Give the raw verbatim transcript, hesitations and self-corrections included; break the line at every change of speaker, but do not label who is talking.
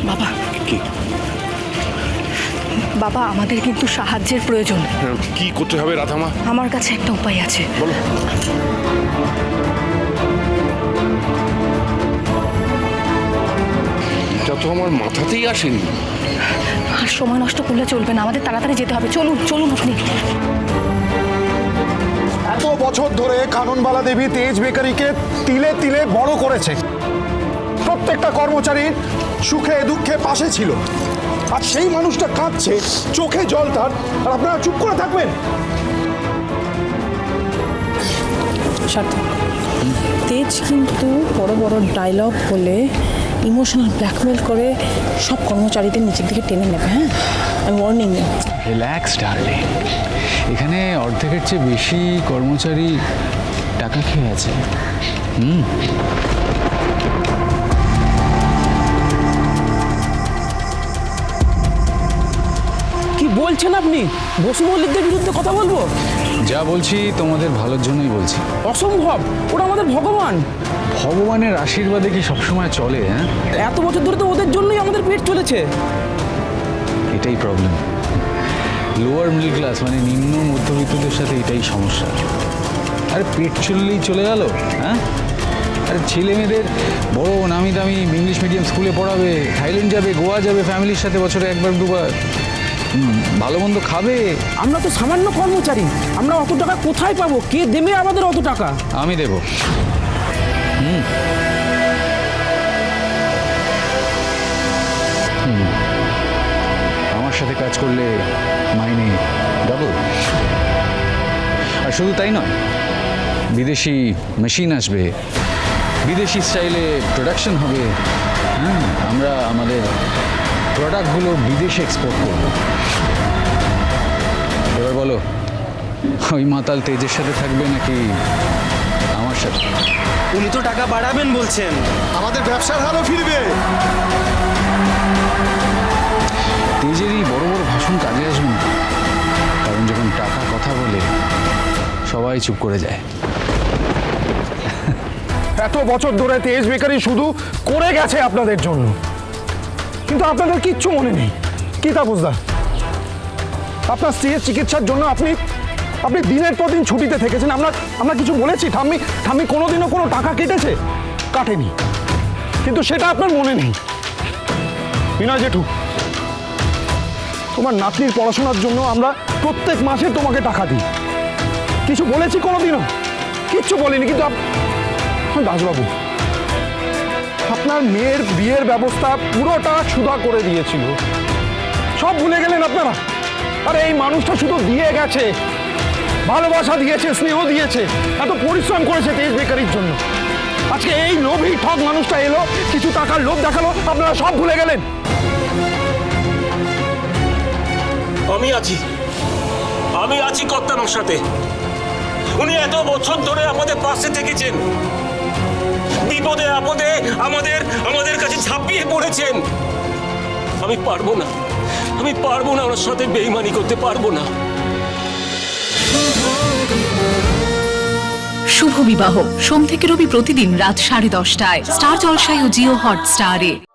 বাবা
কি
বাবা আমাদের কিন্তু সাহায্যের প্রয়োজন।
কি করতে হবে রাধামা?
আমার কাছে একটা উপায় আছে।
বলো। এটা তো আমার মাথাতেই আসেনি।
আর সময় নষ্ট করলে চলবে না, আমাদের তাড়াতাড়ি যেতে হবে। চলুন চলুন আপনি।
এত বছর ধরে কাননবালা দেবী তেজ বেকারিকে তিলে তিলে বড় করেছে, প্রত্যেকটা কর্মচারীর সুখে দুঃখে পাশে ছিল। আর সেই মানুষটা কাঁদছে, চোখে জল তার, আর আপনারা চুপ করে থাকবেন?
তেজ কিন্তু বড় বড় ডায়লগ বলে ইমোশনাল ব্ল্যাকমেল করে সব কর্মচারীদের নিচের দিকে টেনে নেবে। হ্যাঁ, আমি ওয়ার্নিং দিই।
রিল্যাক্স ডার্লিং, এখানে অর্ধেকের চেয়ে বেশি কর্মচারী টাকা খেয়ে আছে। হুম
কি বলছেন আপনি? বসু মল্লিকদের বিরুদ্ধে কথা বলবো?
যা বলছি তোমাদের ভালোর জন্যই বলছি।
অসম্ভব, ওরা আমাদের ভগবান।
ভগবানের আশীর্বাদে কি সবসময় চলে? হ্যাঁ,
এত বছর ধরে তো ওদের জন্যই আমাদের পেট চলেছে।
এটাই প্রবলেম। লোয়ার মিডল ক্লাস মানে নিম্ন মধ্যবিত্তদের সাথে এটাই সমস্যা। আরে পেট চললেই চলে গেল? হ্যাঁ, আরে ছেলে মেয়েদের বড় নামি দামি ইংলিশ মিডিয়াম স্কুলে পড়াবে, থাইল্যান্ড যাবে, গোয়া যাবে ফ্যামিলির সাথে বছরে একবার দুবার, ভালো মন্দ খাবে।
আমরা তো সামান্য কর্মচারী, আমরা অত টাকা কোথায় পাবো? কে দেবে আমাদের অত টাকা?
আমি দেব। হুম আমার সাথে কাজ করলে মাইনে ডাবল। আর শুধু তাই নয়, বিদেশি মেশিন আসবে, বিদেশি স্টাইলে প্রোডাকশন হবে। হ্যাঁ, আমরা আমাদের প্রোডাক্টগুলো বিদেশে এক্সপোর্ট করব। এবার বলো, ওই মাতাল তেজের সাথে থাকবে নাকি আমার সাথে?
উনি তো টাকা বাড়াবেন বলছেন,
আমাদের ব্যবসার হারও ফিরবে।
তেজেরই বড় বড় ভাষণ কাজে আসবে না, কারণ যখন টাকা কথা বলে সবাই চুপ করে যায়।
এত বছর ধরে তেজ বেকারি শুধু করে গেছে আপনাদের জন্য, কিন্তু আপনাদের কিচ্ছু মনে নেই। কি তাপসদা, আপনার স্ত্রীর চিকিৎসার জন্য আপনি আপনি দিনের পর দিন ছুটিতে থেকেছেন। আমরা আমরা কিছু বলেছি? ঠাম্মি ঠাম্মি কোনোদিনও কোনো টাকা কেটেছে? কাটেনি, কিন্তু সেটা আপনার মনে নেই। বিনয় জেঠু, তোমার নাতনির পড়াশোনার জন্য আমরা প্রত্যেক মাসে তোমাকে টাকা দিই। কিছু বলেছি কোনোদিনও? কিচ্ছু বলিনি। কিন্তু দাসবাবু, আপনার মেয়ের বিয়ের ব্যবস্থা পুরোটা সুধা করে দিয়েছিল, সব ভুলে গেলেন আপনারা। আর এই মানুষটা শুধু দিয়ে গেছে, ভালোবাসা দিয়েছে, স্নেহ দিয়েছে, এত পরিশ্রম করেছে তেজ বেকারির জন্য। আজকে এই লোভী ঠক মানুষটা এলো, কিছু টাকার লোভ দেখালো, আপনারা সব ভুলে গেলেন।
আমি আছি, আমি আছি কর্তানোর সাথে। উনি এত বছর ধরে আমাদের পাশে থেকেছেন, বিপদে আপদে আমাদের আমাদের কাছে ঝাঁপিয়ে পড়েছেন। আমি পারবো না, আমি পারবো না ওনার সাথে বেইমানি করতে পারবো না।
শুভ বিবাহ সোম থেকে রবি প্রতিদিন রাত সাড়ে দশটায় স্টার জলসায় ও জিও হটস্টারে।